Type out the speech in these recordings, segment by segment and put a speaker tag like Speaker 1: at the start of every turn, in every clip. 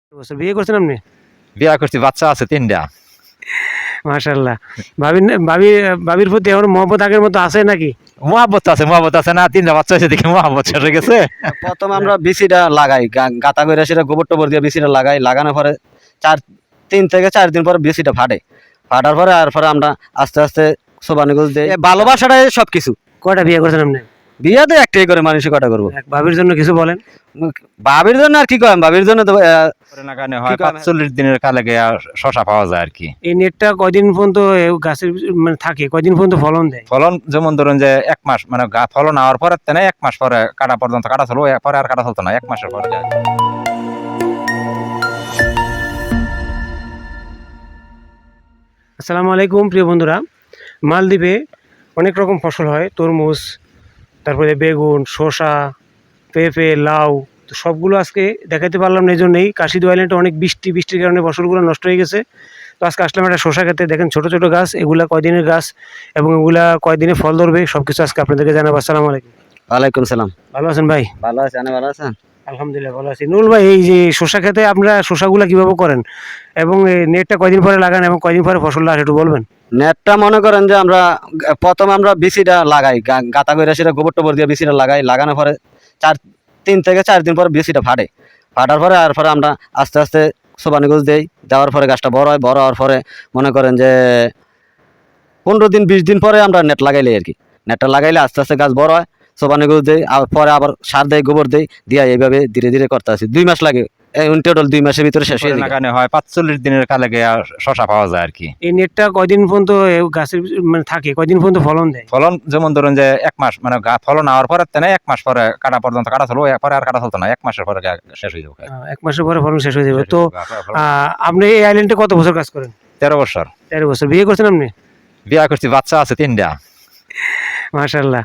Speaker 1: বছর বিয়ে করছেন আপনি?
Speaker 2: বিয়া করছি, বাচ্চা আছে ৩টা।
Speaker 1: মাশাআল্লাহ। ভাবির প্রতি এখন মহব্বত আগের মতো আছে নাকি?
Speaker 2: মহাব্বত আছে না, ৩টা বাচ্চা হয়েছে দেখে মহাব্বত শেষ হয়ে গেছে।
Speaker 3: প্রথম আমরা বিচিটা লাগাই, গাঁথা করে সেটা গোবর টোবর দিয়ে বিচিটা লাগাই, লাগানোর পরে 3 থেকে 4 দিন পরে বিচিটা ফাটার পরে আর পরে আমরা আস্তে আস্তে সোবানি গোছ দিই। ভালোবাসাটাই সবকিছু।
Speaker 1: কয়টা বিয়ে করছেন আপনি?
Speaker 3: বিয়ে তো একটাই করে, মানুষের কটা করবো।
Speaker 1: ভাবির জন্য কিছু বলেন।
Speaker 3: ভাবির জন্য আর কি করেন, ভাবির জন্য তো
Speaker 2: হয় ৪৫ দিনের কালে গিয়া শশা পাওয়া যায় আর কি।
Speaker 1: এই নেটটা কয়দিন পর্যন্ত গাছের মানে থাকে, কয়দিন পর্যন্ত ফলন দেয়?
Speaker 2: ফলন যেমন ধরুন যে ১ মাস, মানে ফলন হওয়ার পরে ১ মাস পরে কাটা পর্যন্ত কাটা চলবো, পরে আর কাটা চলতো না, ১ মাসের পরে।
Speaker 1: আসসালামু আলাইকুম প্রিয় বন্ধুরা। মালদ্বীপে অনেক রকম ফসল হয়, তরমুজ, তারপরে বেগুন, শসা, পেঁপে, লাউ। তো সবগুলো আজকে দেখাতে পারলাম না, এই জন্যই কাশিদু আইল্যান্ডে অনেক বৃষ্টির কারণে ফসলগুলো নষ্ট হয়ে গেছে। তো আজকে আসলাম একটা শসা খেতে। দেখেন ছোট ছোট গাছ, এগুলা কয়দিনের গাছ এবং এগুলা কয়দিনে ফল ধরবে সব কিছু আজকে আপনাদেরকে জানাবো। আসসালামু আলাইকুম।
Speaker 3: ওয়ালাইকুম সালাম।
Speaker 1: ভালো আছেন ভাই?
Speaker 3: ভালো আছে, আপনি ভালো আছেন?
Speaker 1: আলহামদুলিল্লাহ ভালো আছি। নুরুল ভাই, এই যে শসা খেতে আপনারা শসাগুলা কিভাবে করেন এবং এই নেটটা কয়দিন পরে লাগান এবং কয়দিন পরে ফসলটা আসে একটু বলবেন?
Speaker 3: নেটটা মনে করেন যে আমরা প্রথম আমরা বিচিটা লাগাই, গাঁথা করে সেটা গোবর টোবর দিয়ে বিচিটা লাগাই, লাগানোর পরে 3 থেকে 4 দিন পরে বিচিটা ফাটার পরে আর পরে আমরা আস্তে আস্তে সোবানি গোছ দিই। দেওয়ার পরে গাছটা বড় হয়, বড় হওয়ার পরে মনে করেন যে 15 দিন 20 দিন পরে আমরা নেট লাগাইলে আর কি। নেটটা লাগাইলে আস্তে আস্তে গাছ বড় হয়, সোবানি গোছ দিই, আর পরে আবার সার দেয়, গোবর দেই, দিয়া এইভাবে ধীরে ধীরে করতে আসি। 2 মাস লাগে, টোটাল 2 মাসের ভিতরে শেষ হয়ে যায়।
Speaker 2: হয় ৪৫ দিনের কালে গিয়া শশা পাওয়া যায় আর কি।
Speaker 1: এই নেটটা কয়দিন পর্যন্ত গাছের মানে থাকে, কয়দিন পর্যন্ত ফলন দেয়?
Speaker 2: ফলন যেমন ধরুন যে ১ মাস, মানে ফলন হওয়ার পরে ১ মাস পরে কাটা পর্যন্ত কাটা চলবো, পরে আর কাটা চলতো না, ১ মাসের পরে শেষ হয়ে যাবে।
Speaker 1: 1 মাসের পরে ফলন শেষ হয়ে যাবে। তো আপনি এই আইল্যান্ডে কত বছর কাজ করেন?
Speaker 2: ১৩ বছর।
Speaker 1: 13 বছর। বিয়ে করছেন আপনি?
Speaker 2: বিয়া করছি, বাচ্চা আছে 3টা।
Speaker 1: মাশাআল্লাহ।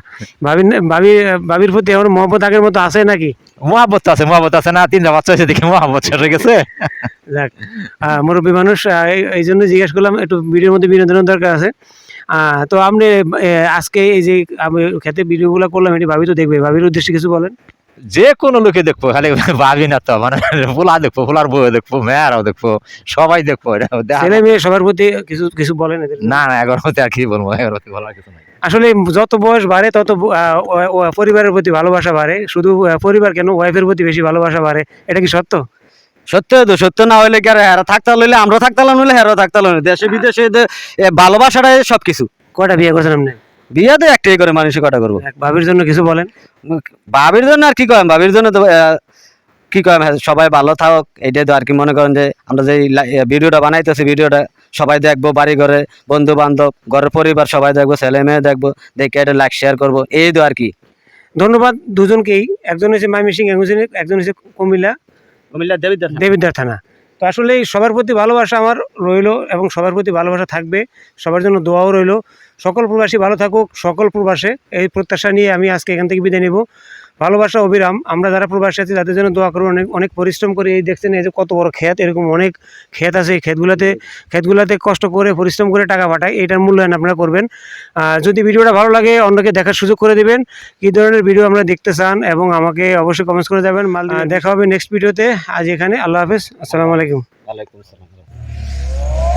Speaker 1: ভাবির প্রতি এখন মহব্বত আগের মতো আছে নাকি?
Speaker 2: মহাব্বত আছে না, 3টা বাচ্চা হয়েছে দেখে মহাব্বত শেষ হয়ে গেছে।
Speaker 1: যাক, মুরব্বী মানুষ, এই জন্য জিজ্ঞেস করলাম, একটু ভিডিওর মধ্যে বিনোদনের দরকার আছে। তো আপনি আজকে এই যে আমি খেতে ভিডিওগুলো করলাম, এটি ভাবি তো দেখবে, ভাবির উদ্দেশ্যে কিছু বলেন।
Speaker 2: যে কোনো লোকে দেখবো, খালি ভাবি না তো, মানে পোলা দেখবো, পোলার বউ দেখবো, মেয়েরাও দেখবো, সবাই দেখবো।
Speaker 1: ছেলে মেয়ে সবার প্রতি কিছু কিছু বলেন এদের?
Speaker 2: না এগারো মধ্যে আর কি বলবো, এগারো মধ্যে বলার কিছু নাই।
Speaker 1: আসলে যত বয়স বাড়ে তত পরিবারের প্রতি ভালোবাসা বাড়ে। শুধু পরিবার কেন, ওয়াইফের প্রতি বেশি ভালোবাসা বাড়ে। এটা কি সত্য?
Speaker 3: সত্য তো, সত্য না হইলে কি আর হেরা থাকতে হইলে আমরা থাকতে হইলে হেরাও থাকতে হইলে, দেশে বিদেশে ভালোবাসাটাই সবকিছু।
Speaker 1: কয়টা বিয়ে করছেন আপনি?
Speaker 3: বিয়ে তো একটাই করে, মানুষের কটা করবো।
Speaker 1: ভাবির জন্য কিছু বলেন।
Speaker 3: ভাবির জন্য আর কি করেন, ভাবির জন্য তো কি করেন, সবাই ভালো থাকুক, এইটাই তো আর কি। মনে করেন যে আমরা যে ভিডিওটা বানাইতেছি, ভিডিওটা সবাই দেখবো, বাড়ি ঘরে বন্ধু বান্ধব, ঘরের পরিবার সবাই দেখবো, ছেলে মেয়ে দেখবো, দেখে এটা লাইক শেয়ার করবো, এই তো আর কি।
Speaker 1: ধন্যবাদ দুজনকেই। একজন হচ্ছে ময়মনসিংহ, একজন হচ্ছে কুমিল্লা দেবিদ্বার থানা। তো আসলে সবার প্রতি ভালোবাসা আমার রইলো এবং সবার প্রতি ভালোবাসা থাকবে, সবার জন্য দোয়াও রইলো। সকল প্রবাসী ভালো থাকুক, সকল প্রবাসে এই প্রত্যাশা নিয়ে আমি আজকে এখান থেকে বিদায় নেব। ভালোবাসা অবিরাম। আমরা যারা প্রবাসী আছি তাদের জন্য দোয়া করবো। অনেক অনেক পরিশ্রম করে, এই দেখছেন এই যে কত বড় ক্ষেত, এরকম অনেক ক্ষেত আছে। এই ক্ষেতগুলোতে কষ্ট করে পরিশ্রম করে টাকা পাঠায়, এটার মূল্যায়ন আপনারা করবেন। যদি ভিডিওটা ভালো লাগে অন্যকে দেখার সুযোগ করে দিবেন, কী ধরনের ভিডিও আমরা দেখতে চান, এবং আমাকে অবশ্যই কমেন্টস করে যাবেন। দেখা হবে নেক্সট ভিডিওতে। আজ এখানে, আল্লাহ হাফেজ, আসসালামু আলাইকুম।
Speaker 3: ওয়ালাইকুম আসসালাম।